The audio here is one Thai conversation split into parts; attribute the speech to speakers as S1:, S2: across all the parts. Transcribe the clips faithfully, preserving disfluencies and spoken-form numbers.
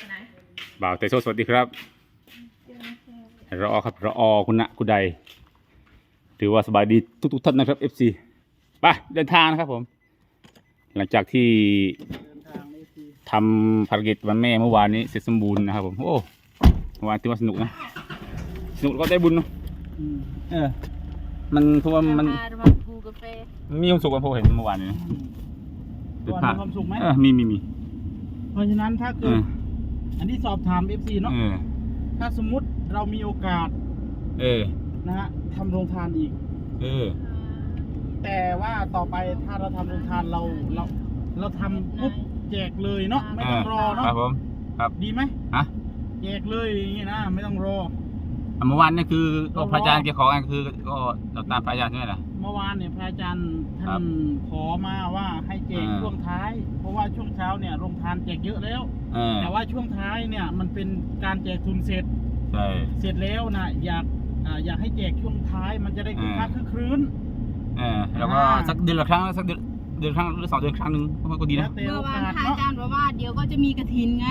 S1: บ่าวเตโซสวัสดีครับรอครับรอคุณณะคุณใดถือว่าสบายดีทุกทุกท่านนะครับ เอฟ ซี ไปเดินทางนะครับผมหลังจากที่ทำภารกิจวันแม่เมื่อวานนี้เสร็จสมบูรณ์นะครับผมโอ้เมื่อวานถือว่าสนุกนะสนุกก็ได้บุญเนาะเออมันเพราะว่ามันมีความสุขกันพอเห็นเมื่อวานนี้นะมีความสุขไหมเออมีมีมี
S2: เพราะฉะนั้นถ้าเกิดอันที่สอบถาม เอฟ ซี เนาะถ้าสมมุติเรามีโอกาส
S1: เออ
S2: นะฮะทำโรงทานอีก
S1: เออ
S2: แต่ว่าต่อไปถ้าเราทำโรงทานเราเราเราทำปุ๊บแจกเลยเนาะไม่ต้องรอเนาะ
S1: ครับผมครับ
S2: ดีไหม
S1: ฮะ
S2: แจกเลยอย่างงี้นะไม่ต้องรอ
S1: เมื่อวานนี่คือก็พระอาจารย์เกี่ยวกับคือก็เราตามพระอาจารย์ใช่ไหมล่ะ
S2: เมื่อวานเนี่ยพระอาจารย์ท่านขอมาว่าให้แจกช่วงท้ายเพราะว่าช่วงเช้าเนี่ยโรงทานแจกเยอะแล้วแต่ว่าช่วงท้ายเนี่ยมันเป็นการแจกทุนเสร็จ
S1: ใช่
S2: เสร็จแล้วนะอยากอยากให้แจกช่วงท้ายมันจะได้คึกคักคึกครื้น
S1: เออแล้วก็สักเดือนละครั้งสักเดือนเดือนครั้งหรือสองเดือนครั้งหนึ่งก็ดีนะ
S3: เมื่อวานพระอาจารย์บอกว่าเดี๋ยวก็จะมีกฐินไง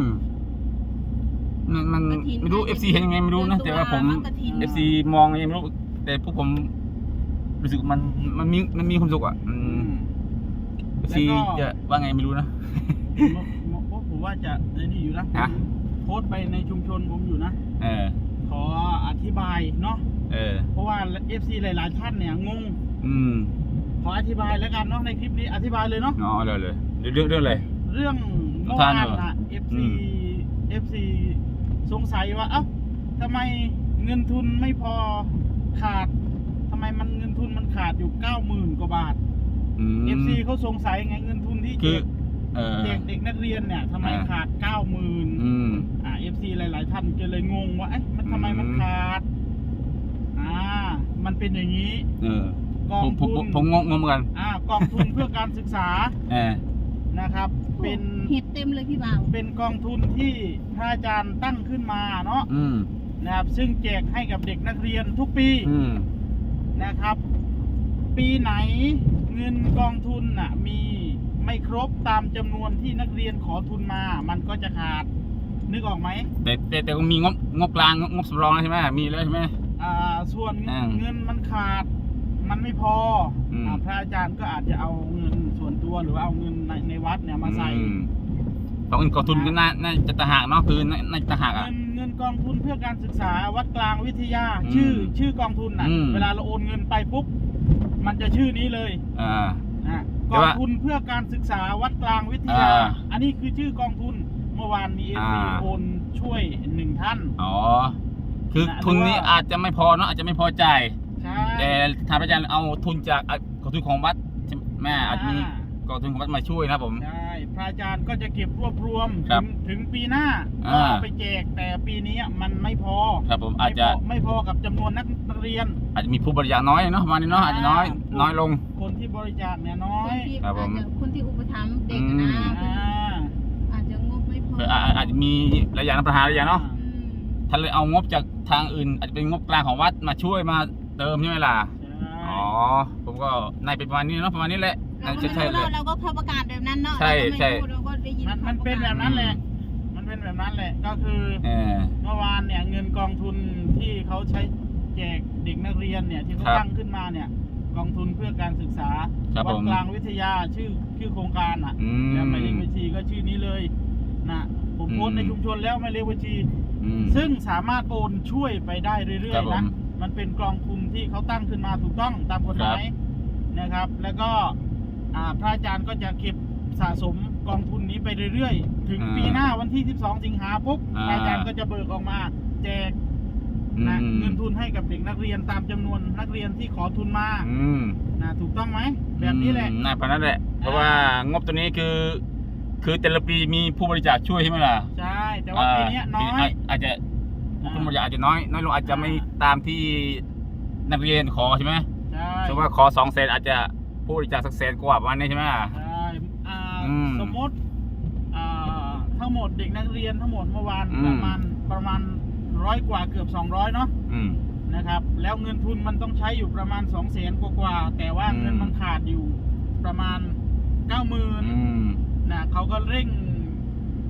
S1: มันมันไม่รู้ เอฟ ซี เห็นยังไงไม่รู้นะแต่ว่าผม เอฟ ซี มองยังไงไม่รู้แต่พวกผมรู้สึกมันมันมีมันมีความสุขอ่ะ เอฟ ซี จะว่าไงไม่รู้นะ
S2: ผมว่าจะในนี่อยู่นะโพสต์ไปในชุมชนผมอยู่นะ
S1: เออ
S2: ขออธิบายเนาะ
S1: เออ
S2: เพราะว่า เอฟ ซี หลายๆท่านเนี่ยงง
S1: อืม
S2: ขออธิบายแล้วกันเนาะในคลิปนี้อธิบายเลยเนาะ
S1: อ๋อเลยเลยเรื่องเรื่องอะไร
S2: เรื่องเมื่อวานน่ะ เอฟ ซี เอฟ ซี สงสัยว่าเอ้าทำไมเงินทุนไม่พอขาดทำไมมันเงินทุนมันขาดอยู่เก้าหมื่นกว่าบาท เอฟ ซี เขาสงสัยไงเงินทุนที่แจกเด็กนักเรียนเนี่ยทำไมขาดเก้าหมื่นอ่า เอฟ ซี หลายๆท่านก็เลยงงว่าเอ๊ะมันทำไมมันขาดอ่ามันเป็นอย่างนี้
S1: กองทุนผมงงงเหมือนกัน
S2: อ่ากองทุนเพื่อการศึกษานะครับเป็น
S3: เห็ดเต็มเลยพี่บ่าว
S2: เป็นกองทุนที่พระอาจารย์ตั้งขึ้นมาเนาะนะครับซึ่งแจกให้กับเด็กนักเรียนทุกปีนะครับปีไหนเงินกองทุนน่ะมีไม่ครบตามจำนวนที่นักเรียนขอทุนมามันก็จะขาดนึกออกไหม
S1: แต่แต่แต่มีงบงบกลางงบสำรองใช่ไหมมีแล้วใช่ไหม
S2: อ่าส่วนเงินมันขาดมันไม่พอพระอาจารย์ก็อาจจะเอาเงินส่วนตัวหรือเอาเงินในในวัดเนี่ยมาใส่
S1: เพราะเงินกองทุนก็น่าน่าจะต่างหากเนาะคือน่าจะต่างหาก
S2: อ่ะเงินเงินกองทุนเพื่อการศึกษาวัดกลางวิทยาชื่อชื่อกองทุนน่ะเวลาเราโอนเงินไปปุ๊บมันจะชื่อนี้เลย
S1: อ่
S2: ากองทุนเพื่อการศึกษาวัดกลางวิทยาอันนี้คือชื่อกองทุนเมื่อวานมีเอฟซีโอนช่วยหนึ่งท่าน
S1: อ๋อคือทุนนี้อาจจะไม่พอเนาะอาจจะไม่พอใจแต่ทางอาจารย์เอาทุนจากกองทุนของวัดแม่อาจจะมีกองทุนของวัดมาช่วยนะผม
S2: ใช่พระอาจารย์ก็จะเก็บรวบรวมถึงถึงปีหน้าก็เอาไปแจกแต่ปีนี้มันไม่พอ
S1: ครับผมอาจจะ
S2: ไม่พอกับจำนวนนักเรียน
S1: อาจจะมีผู้บริจาคน้อยเนาะประมาณนี้เนาะอาจจะน้อยน้อยลง
S2: คนที่บริจาคเนี่ยน้อย
S1: ครับผม
S3: คนที่อุปถัมภ์เด็กนะอาจจะงบไม่พอ
S1: อาจจะมีระยะปัญหาระยะเนาะถ้าเลยเอางบจากทางอื่นอาจจะเป็นงบกลางของวัดมาช่วยมาเติมใช่ไหมล่ะอ๋อผมก็ในเป็นประมาณนี้เนาะประมาณนี้แหละ
S3: เราใช่เลยเราก็เขาประกาศแบบนั้นเนาะ
S1: ใช่ใช่
S2: มันเป็นแบบนั้นแหละมันเป็นแบบนั้นแหละก็คือเมื่อวานเนี่ยเงินกองทุนที่เขาใช้แจกเด็กนักเรียนเนี่ยที่เขาตั้งขึ้นมาเนี่ยกองทุนเพื่อการศึกษาวัดกลางวิทยาชื่อชื่อโครงการอ่ะแล้วหมายเลขบัญชีก็ชื่อนี้เลยนะผมโพสในชุมชนแล้วหมายเลขบัญชีซึ่งสามารถโอนช่วยไปได้เรื่อยๆนะมันเป็นกองทุนที่เขาตั้งขึ้นมาถูกต้องตามกฎหมายนะครับแล้วก็พระอาจารย์ก็จะเก็บสะสมกองทุนนี้ไปเรื่อยๆถึงปีหน้าวันที่สิบสองสิงหาปุ๊บพระอาจารย์ก็จะเบิกออกมาแจกนะเงินทุนให้กับเด็กนักเรียนตามจำนวนนักเรียนที่ขอทุนมานะถูกต้องไหมแบบนี้แหละ
S1: น่าพนันแหละเพราะว่างบตัวนี้คือคือแต่ละปีมีผู้บริจาคช่วยใช่ไหมล่ะ
S2: ใช่แต่ว่าปีนี้น้อย
S1: อาจจะผู้บริจาคอาจจะน้อยน้อยลงอาจจะไม่ตามที่นักเรียนขอใช่ไหม
S2: ใช่
S1: สมมติว่าขอสองแสนอาจจะผู้บริจาคสักแสนกว่าประมาณนี้ใช่ไหม
S2: ใช่สมมติทั้งหมดเด็กนักเรียนทั้งหมดเมื่อวานประมาณประมาณร้อยกว่าเกือบสองร้อยเนาะนะครับแล้วเงินทุนมันต้องใช้อยู่ประมาณสองแสนกว่าแต่ว่าเงินมันขาดอยู่ประมาณเก้าหมื่นนะเขาก็เร่ง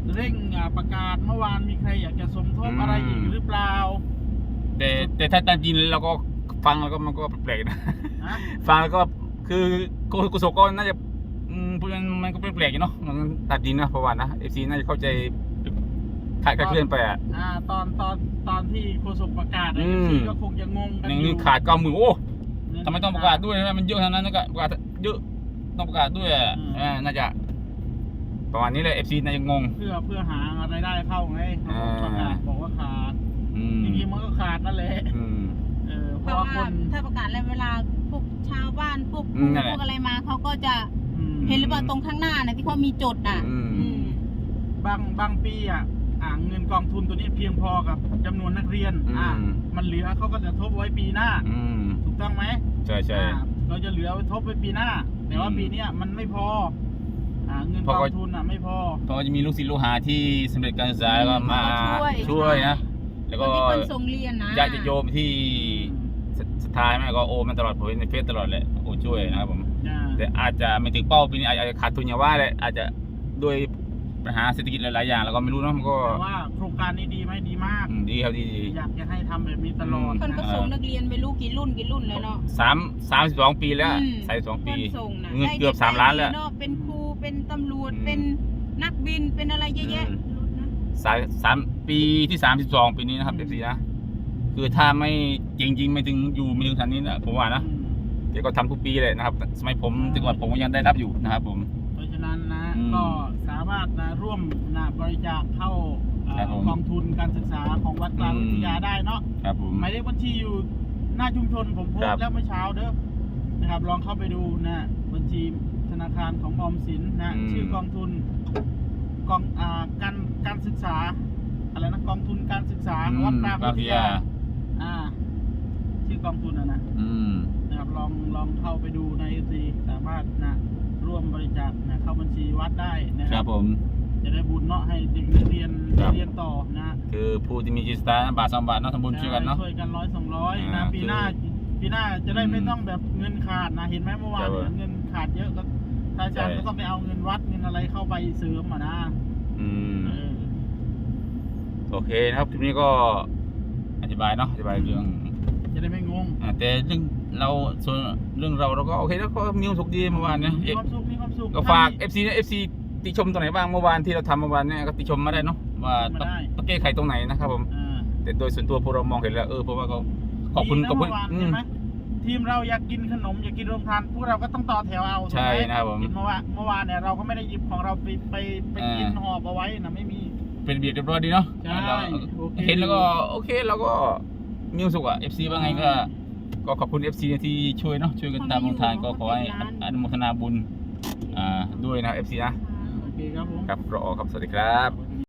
S2: เร่งอ่าประกาศเมื่อวานมีใครอยากจะสมทบ
S1: อืม
S2: อะไรอีกหรือเปล่า
S1: แต่แต่ถ้าตามจริงเราก็ฟังแล้วก็มันก็แปลกๆนะ
S2: ฮะ
S1: ฟังแล้วก็คือกุศลก็น่าจะอืมพูดมันมันก็แปลกๆอยู่เนาะมันตัดจริงนะเพราะว่านะเอฟซีน่าจะเข้าใจคลาดเคลื่อนไปอ่ะ
S2: อ่าตอนตอนตอนที่โฆษกประกาศ
S1: อื
S2: ไอ้
S1: ม
S2: ซีก็คงจะงงกัน
S1: หนึ่ง
S2: อยู่
S1: ขาดเก้าหมื่นโอ้ทำไมต้องประกาศด้วยนะมันเยอะขนาดนั้นก็ประกาศเยอะต้องประกาศด้วยอ่ะอ่าน่าจะประมาณนี้เลยเอฟซีน่าจะงง
S2: เพื่อเพื่อหารายได้เข้าไงเขาประกาศบอกว่าขาด
S1: อืม
S2: จริงๆมันก็ขาดนั่นแหละ
S1: อืม
S2: เออเพ
S3: เพ
S2: ราะ
S3: ราะ
S2: ว่า
S3: ว่า
S2: คน
S3: ถ้าประกาศแล้วเวลาพวกชาวบ้านพวก
S1: อืมนั่นแหละ
S3: พวกอะไรมาเขาก็จะ
S2: อืม
S3: เห็นหรือเปล่าตรงข้างหน้านะที่เขามีจดน่ะ
S1: อืม
S3: อืม
S2: บางบางปีอ่ะอ่าเงินกองทุนตัวนี้เพียงพอกับจำนวนนักเรียน
S1: อืม
S2: อ่ามันเหลือเขาก็จะทบไว้ปีหน้า
S1: อืม
S2: ถูกต้องไหม
S1: ใช่ใช่
S2: อ่าเราจะเหลือไว้ทบไว้ปีหน้า แต่ว่า
S1: อืม
S2: ปีเนี้ยมันไม่พออ่าเงิน
S1: เพ
S2: ก
S1: ราะ
S2: อ
S1: ว่า
S2: งทุนอ่ะไม่พอ
S1: เพราะว่าจะมีลูกศิษย์ลูกหาที่สำเร็จการศึกษาแล้วก็มา
S3: เขาก็ช่วย
S1: ช่วยนะ แล้ว
S3: ค
S1: ก็
S3: นที่คนส่งเรียนนะ
S1: ญาติโยมที่สุดท้ายแม่ก็โอมันตลอดผมเห็นในเฟซตลอดแหละโอช่วยนะครับผม
S2: อ่า
S1: แต่อาจจะไม่ถึงเป้าปีนี้อาจจะขาดทุนอย่างว่าแหละอาจจะด้วยปัญหาเศรษฐกิจหลายๆอย่างแล้วก็ไม่รู้เนอะมันก็
S2: แต่ว่าโครงการนี้ดีไหมดีมาก
S1: อืมดีครับดีดี
S2: อยากจะให้ทำแบบนี้ตลอด
S1: อืม
S3: คนก็ส่งนักเรียนไปลูกกี่รุ่นกี่รุ่นเลยเนาะ
S1: สามสามสิบสองปีแล้ว
S3: อืม
S1: สามสิบสองปี
S3: คนส่งนะ
S1: เงิน
S3: ได้
S1: เกือบสามล้านแล้ว
S3: เะเป็นครูเป็นตำรวจ
S1: อืม
S3: เป็นนักบินเป็นอะไรเยอะแยะ
S1: อืม
S3: รุ่นนะ
S1: สามสามปีที่สามสิบสองปีนี้นะครับเอฟซีนะคือถ้าไม่จริง ๆ ไม่ถึงอยู่ไม่ถึงทันนี้นะผมว่านะ
S2: อืม
S1: แกก็ทำทุกปีเลยนะครับ สมัยผมแต่ก่อนผมก็ยังได้รับอยู่นะครับผม
S2: เพราะฉะนั้นนะ
S1: อืม
S2: ก็สามารถนะร่วมนะบริจาคเข้าเอ่อ
S1: ครับผม
S2: กองทุนการศึกษาของวัดกลาง
S1: อืม
S2: วิทยาได้เนาะ
S1: ครับผม
S2: หมายเลขบัญชีอยู่หน้าชุมชนผมโพส
S1: ครับ
S2: ต์แล้วเมื่อเช้าเด้อนะครับลองเข้าไปดูนะบัญชีธนาคารของออมสินนะ
S1: อืม
S2: ชื่อกองทุนกองอ่าการการศึกษาอะไรนะกองทุนการศึกษา
S1: อืม
S2: วัดกลาง
S1: บาง
S2: วิท
S1: ที
S2: ยา
S1: อ่ะ
S2: อ่าชื่อกองทุนนะนะ
S1: อืม
S2: นะครับลองลองเข้าไปดูในซีสามารถนะร่วมบริจาคนะเข้าบัญชีวัดได้นะ
S1: ค
S2: ค
S1: รั
S2: รั
S1: บบ ผม
S2: จะได้บุญเนาะให้เด็กนักเรียน
S1: ครับ
S2: เรียนต่อนะ
S1: คือผู้ที่มีจิตศรัทธาบาทสองบาทเนาะทำบุญช่วยกันเนาะ
S2: ช่วยกันร้อยสองร้อย
S1: อ่า
S2: นะปีหน้า
S1: คือ
S2: ปีหน้าจะได้
S1: อืม
S2: ไม่ต้องแบบเงินขาดนะเห็นไหมเมื่อวาน
S1: ใช่
S2: เนี่ยเงินขาดเยอะก็อาจารย์
S1: ใช่
S2: ก็ต้องไปเอาเงินวัดเงินอะไรเข้าไปเสริมอ่ะนะ
S1: อืม
S2: เออ
S1: โอเคนะครับทีนี้ก็อธิบายเนาะอธิบายเรื่อง
S2: จะได้ไม่งง
S1: อ่าแต่เรื่องเราส่วนเรื่องเราเราก็โอเคแล้วก็มีความสุขดีเมื่อวานเนี่ย
S2: มีความสุขมีความสุข
S1: ก็ฝาก เอฟ ซี นะ เอฟ ซี ติชมตรงไหนบ้างเมื่อวานที่เราทำเมื่อวานเนี่ยก็ติชมมาได้เนาะว่าต้องต้องแก้ไขตรงไหนนะครับผม
S2: อ่า
S1: แต่โดยส่วนตัวพวกเรามองเห็นแล้วเออเพราะว่าก็ขอบคุณ
S2: ดีนะ
S1: ขอบคุณ
S2: เมื่อวาน
S1: อื
S2: เห็
S1: ม
S2: นไหมทีมเราอยากกินขนมอยากกินโรงทานพวกเราก็ต้องต่อแถวเอา
S1: ใช่
S2: ถูกไหม
S1: นะครับผม
S2: เห็นเมื่อวานเมื่อวานเนี่ยเราก็ไม่ได้หยิบของเราไปไปไปกิน
S1: อ่า
S2: หอบเอาไว้นะไม่มี
S1: เป็นระเบียบเรียบร้อยดีเนาะ
S2: ใช่
S1: เรา
S2: โอเค
S1: เห็นแล้วก็โอเคเราก็มีความสุขอ่ะ เอฟ ซี ว่าไงก็ก็ขอบคุณ เอฟ ซี ที่ช่วยเนาะช่วยกันตามโรงทานก็ขอให้อนุโมทนาบุญอ่าด้วยนะ เอฟ ซี นะ
S2: โอเคครับผม
S1: ครับรอครับสวัสดีครับ